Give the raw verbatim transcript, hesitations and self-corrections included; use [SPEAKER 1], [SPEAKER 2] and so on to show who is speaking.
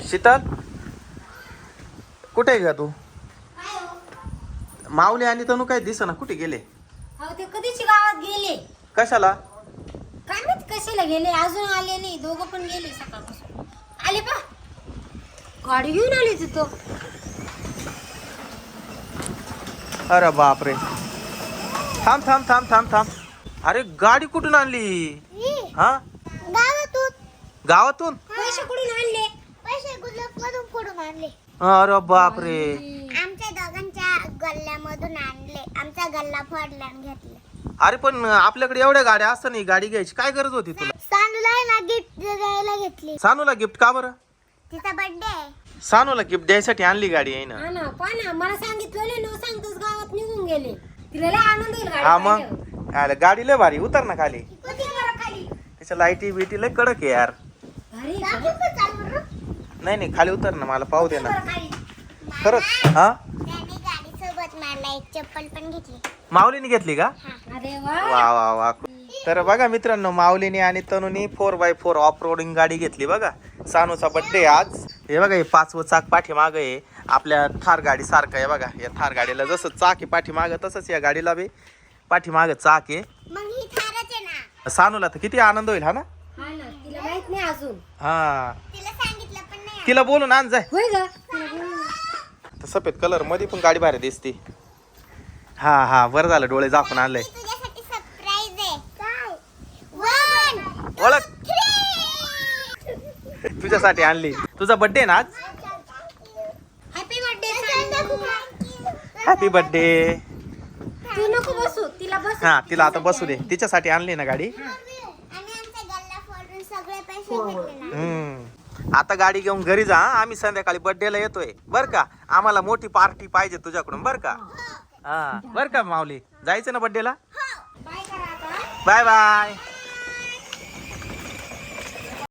[SPEAKER 1] शीतल कुठे आहे का तू? माऊली आणि तनू काय दिसेना, कुठे गेले?
[SPEAKER 2] अहो ते कधीची गावात गेले.
[SPEAKER 1] कशाला?
[SPEAKER 2] काय माहित कशाला गेले, अजून आले नाही. दोघं पण गेले सकाळपासून. आले पा गाडी घेऊन आले तिथं.
[SPEAKER 1] अरे बापरे, थांब थांब थांब थांब थांब. अरे गाडी कुठून आणली? हा
[SPEAKER 2] गावातून.
[SPEAKER 1] गावातून?
[SPEAKER 2] पैसे कुठून आणले? पैसे गुजरातमधून कुठून आणले?
[SPEAKER 1] अरे बापरे,
[SPEAKER 2] आमच्या दोघांच्या गल्ल्यामधून आणले. आमचा गल्ला फोडला आणि घेतला.
[SPEAKER 1] अरे पण आपल्याकडे एवढ्या गाड्या असताना ही गाडी घ्यायची काय गरज होती तुला?
[SPEAKER 2] सानूला ना गिफ्ट द्यायला घेतली.
[SPEAKER 1] सानूला गिफ्ट का बरं?
[SPEAKER 2] तिचा बर्थडे आहे.
[SPEAKER 1] सानूला गिफ्ट द्यायसाठी आणली गाडी आहे ना?
[SPEAKER 2] हा ना, पण ना मला सांगितलं न सांगताच गावात निघून गेले. तिला लय आनंद होईल गाडी
[SPEAKER 1] हा मग
[SPEAKER 2] पाहिल्यावर.
[SPEAKER 1] अरे गाडी लय भारी, उतर ना खाली.
[SPEAKER 2] किती बरं खाली.
[SPEAKER 1] त्याच्या लाईटी बिटी लय कडक आहे यार.
[SPEAKER 2] अरे चाल बरं.
[SPEAKER 1] नाही नाही खाली उतर ना, मला पाहू दे ना.
[SPEAKER 2] बरं खाली.
[SPEAKER 1] खरंच? हा
[SPEAKER 2] त्याने गाडी सोबत मला एक चप्पल पण घेतली.
[SPEAKER 1] माऊलीने घेतली का?
[SPEAKER 2] अरे वा.
[SPEAKER 1] वा वा वा. तर बघा मित्रांनो, माऊलीने आणि तनुनी four by four off roading गाडी घेतली. बघा सानूचा बर्थडे आज. हे बघा हे पाचवं चाक पाठीमागं आहे, आपल्या थार गाडी सारखं आहे. बघा या थार गाडीला जसं चाक आहे पाठीमागं, तसंच या गाडीला बी पाठीमागं चाक आहे.
[SPEAKER 2] मग ही थारच आहे ना.
[SPEAKER 1] सानूला तर किती आनंद होईल. हा ना?
[SPEAKER 2] हा ना, तिला माहित नाही अजून.
[SPEAKER 1] हा
[SPEAKER 2] तिला सांगितलं पण नाही.
[SPEAKER 1] तिला बोलून आण जाय.
[SPEAKER 2] होय ग.
[SPEAKER 1] तर सफेद कलर मध्ये पण गाडी भारी दिसते. हा हा बरं झालं, डोळे झाकून आणलंय.
[SPEAKER 2] तुझ्यासाठी सरप्राईज आहे. काय? वन
[SPEAKER 1] ओळख तुझ्यासाठी आणली. तुझा बर्थडे ना आज?
[SPEAKER 2] Happy birthday.
[SPEAKER 1] Happy birthday.
[SPEAKER 2] तू नको बसू, तिला बस.
[SPEAKER 1] हा तिला आता बसू दे, तिच्यासाठी आणली ना गाडी.
[SPEAKER 2] आणि आमचा गल्ला फोडून सगळे पैसे भेटले ना.
[SPEAKER 1] हम्म आता गाडी घेऊन घरी जा. आम्ही संध्याकाळी बर्थडेला येतोय बर का. आम्हाला मोठी पार्टी पाहिजे तुझ्याकडून बर का. हा बर का माऊली, जायचं ना बर्थडेला?
[SPEAKER 2] बाय करा आता.
[SPEAKER 1] Bye bye.